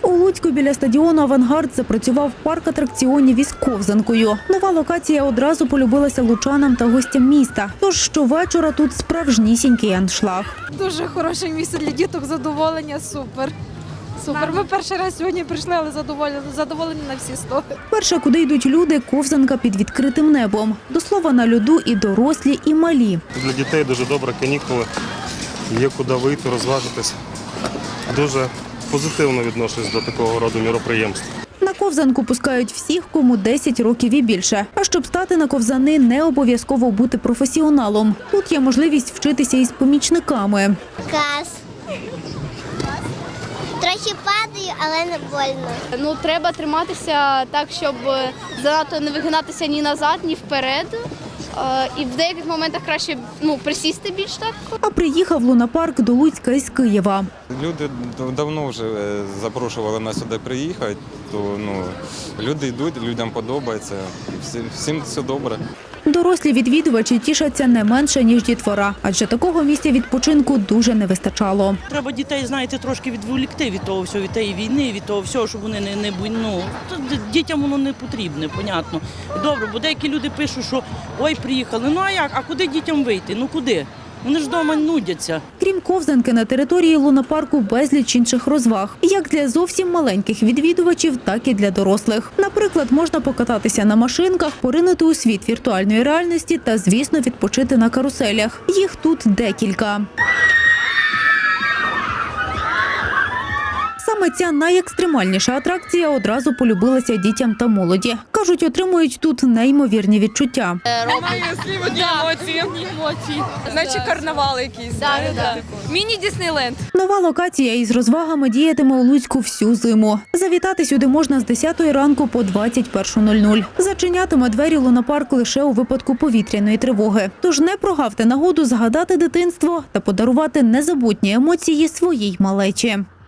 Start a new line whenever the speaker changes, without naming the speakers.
У Луцьку біля стадіону «Авангард» запрацював парк атракціонів із ковзанкою. Нова локація одразу полюбилася лучанам та гостям міста. Тож щовечора тут справжнісінький аншлаг.
Дуже хороше місце для діток, задоволення, супер. Супер. Ми перший раз сьогодні прийшли, але задоволені на всі 100.
Перше, куди йдуть люди – ковзанка під відкритим небом. До слова, на льоду і дорослі, і малі.
Для дітей дуже добре канікули, є куди вийти, розважитись. Дуже позитивно відношусь до такого роду міроприємств.
На ковзанку пускають всіх, кому 10 років і більше. А щоб стати на ковзани, не обов'язково бути професіоналом. Тут є можливість вчитися із помічниками.
Клас. Трохи падаю, але не больно.
Треба триматися так, щоб занадто не вигинатися ні назад, ні вперед. І в деяких моментах краще присісти більш так.
А приїхав лунапарк до Луцька із Києва.
Люди давно вже запрошували нас сюди приїхати, то люди йдуть, людям подобається, всім все добре.
Дорослі відвідувачі тішаться не менше, ніж дітвора, адже такого місця відпочинку дуже не вистачало.
Треба дітей, знаєте, трошки відволікти від того всього, від тієї війни, від того всього, щоб вони дітям воно не потрібне, понятно. Добре, бо деякі люди пишуть, що ой, приїхали, а як, а куди дітям вийти, куди? Вони ж вдома нудяться.
Крім ковзанки, на території лунапарку безліч інших розваг. Як для зовсім маленьких відвідувачів, так і для дорослих. Наприклад, можна покататися на машинках, поринути у світ віртуальної реальності та, звісно, відпочити на каруселях. Їх тут декілька. Саме ця найекстремальніша атракція одразу полюбилася дітям та молоді. Кажуть, отримують тут неймовірні відчуття.
Немає слів, одні емоції. Наче карнавал якийсь. Міні-Діснейленд.
Нова локація із розвагами діятиме у Луцьку всю зиму. Завітати сюди можна з 10 ранку по 21:00. Зачинятиме двері лунапарк лише у випадку повітряної тривоги. Тож не прогавте нагоду згадати дитинство та подарувати незабутні емоції своїй малечі.